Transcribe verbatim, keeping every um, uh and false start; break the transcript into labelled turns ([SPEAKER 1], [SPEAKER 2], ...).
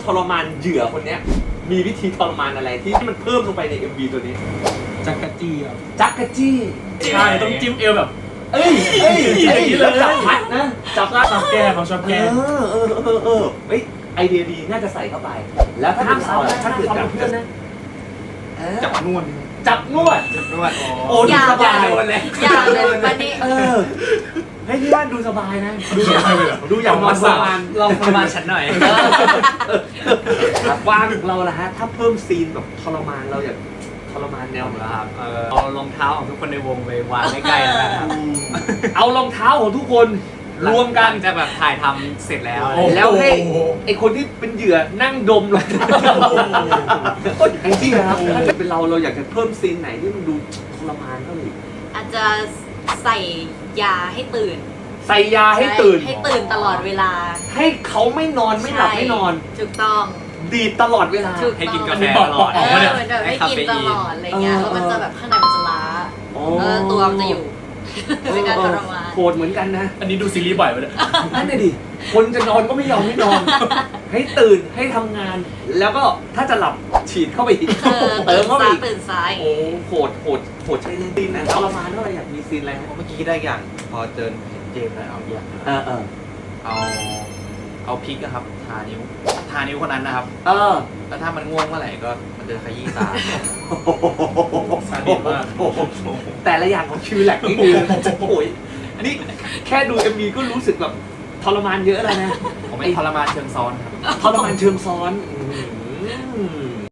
[SPEAKER 1] รมานเหยื่อคนเนี้ยมีวิธีทรมานอะไรที่มันเพิ่มลงไปใน เอ็ม วี ตัวนี้
[SPEAKER 2] จักรจี้ครับ
[SPEAKER 1] จักกะจี้
[SPEAKER 2] ใช่ต้องจิ้มเอวแบบ
[SPEAKER 1] เอ้ยเอ้ย
[SPEAKER 2] อย่างนี้เลย
[SPEAKER 1] จับพัดนะจับพัด
[SPEAKER 2] ชอบแก้เขาชอบ
[SPEAKER 1] เอ
[SPEAKER 2] แก้
[SPEAKER 1] อเออเออเออเฮ้ยไอเดียดีน่าจะใส่เข้าไป แล้วถ้าเป็นเราถ้าเกิดจับเพื่อนนะ
[SPEAKER 2] จับนวด
[SPEAKER 1] จับนวด
[SPEAKER 2] จับนวด
[SPEAKER 1] โอ้ดูสบาย
[SPEAKER 3] อย่าเลยวันนี้
[SPEAKER 1] เออเฮ้ยพี่ว่าดูสบายนะดูอย่างดูอย่างนอนสบาย
[SPEAKER 4] ลองทรมานฉันหน่อย
[SPEAKER 1] ว่างเราละฮะถ้าเพิ่มซีนแบบทรมานเราอยากทรมานแนวไหน
[SPEAKER 4] ครับเออเอารองเท้าของทุกคนในวงไปวางใกล้ๆแล้วกันครับ
[SPEAKER 1] เอารองเท้าของทุกคนรวมกัน
[SPEAKER 4] หลังจะแบบถ่ายทำเสร็จแล้ว
[SPEAKER 1] แล้วให้ไอคนที่เป็นเหยื่อนั่งดมเลยแองจี้ครับถ้าจะเป็นเราเราอยากจะเพิ่มซีนไหนที่มันดูทรมานเท่าไหร่
[SPEAKER 3] อาจจะใส่ยาให้ตื่น
[SPEAKER 1] ใส่ยาให้ตื่น
[SPEAKER 3] ให้ตื่นตลอดเวลา
[SPEAKER 1] ให้เขาไม่นอนไม่หลับไม่นอน
[SPEAKER 3] ถูกต้อง
[SPEAKER 1] ดีดตลอดเวลา
[SPEAKER 3] ถูก
[SPEAKER 4] ให้กิน
[SPEAKER 3] ต้
[SPEAKER 4] กา
[SPEAKER 3] อง
[SPEAKER 4] แฟ
[SPEAKER 2] บอก
[SPEAKER 4] ตล
[SPEAKER 2] บ
[SPEAKER 4] อ
[SPEAKER 2] อก
[SPEAKER 4] ด
[SPEAKER 2] ออก
[SPEAKER 3] เอ
[SPEAKER 2] มา
[SPEAKER 3] อ
[SPEAKER 2] เนี่ย
[SPEAKER 3] เหมือนแบบให้กินตลอดอะไรเงี้ย
[SPEAKER 1] เออ
[SPEAKER 3] แล้วมันจะแบบข้างในมันจะล้า
[SPEAKER 1] อ๋อ
[SPEAKER 3] เออตัวมันจะอยู่ในการทรมาน
[SPEAKER 1] โหดเหมือนกันนะ
[SPEAKER 2] อันนี้ดูซีรีส์บ่อยไปเลย
[SPEAKER 1] นั่นน่ะดิ คนจะนอนก็ไม่ยอมไม่นอน ให้ตื่นให้ทำงาน แล้วก็ถ้าจะหลับฉีดเข้าไปอีก
[SPEAKER 3] เออ
[SPEAKER 1] เติ
[SPEAKER 3] ตื่
[SPEAKER 1] ม
[SPEAKER 3] น
[SPEAKER 1] เข้าไป
[SPEAKER 3] ซ้าย
[SPEAKER 1] อีก
[SPEAKER 3] ตื่นซ้าย
[SPEAKER 1] โอ้โหดโหดโหดใช้เล่นซีนนะทรมานเท่าไหร่อยากมีซีนอะไรฮะ
[SPEAKER 5] เมื่อกี้ได้อย่าง พอเจอเจมส์แล้วเอาอย่าง
[SPEAKER 1] เออเออ
[SPEAKER 5] เอาเอาพริกนะครับทานิ้วทานิ้วคนนั้นนะครับ
[SPEAKER 1] เออ
[SPEAKER 5] แล้วถ้ามันง่วงเมื่อไหร่ก็มันจะขยี้ตา
[SPEAKER 2] ซาดิสมาก
[SPEAKER 1] แต่ละอย่างของคิวแลกนี่คือโอ้ยนี่แค่ดู เอ็ม วี ก็รู้สึกแบบทรมานเยอะแล้วนะ
[SPEAKER 5] ผมไม่ทรมานเชิงซ้อนครับ
[SPEAKER 1] ทรมานเชิงซ้อนอืม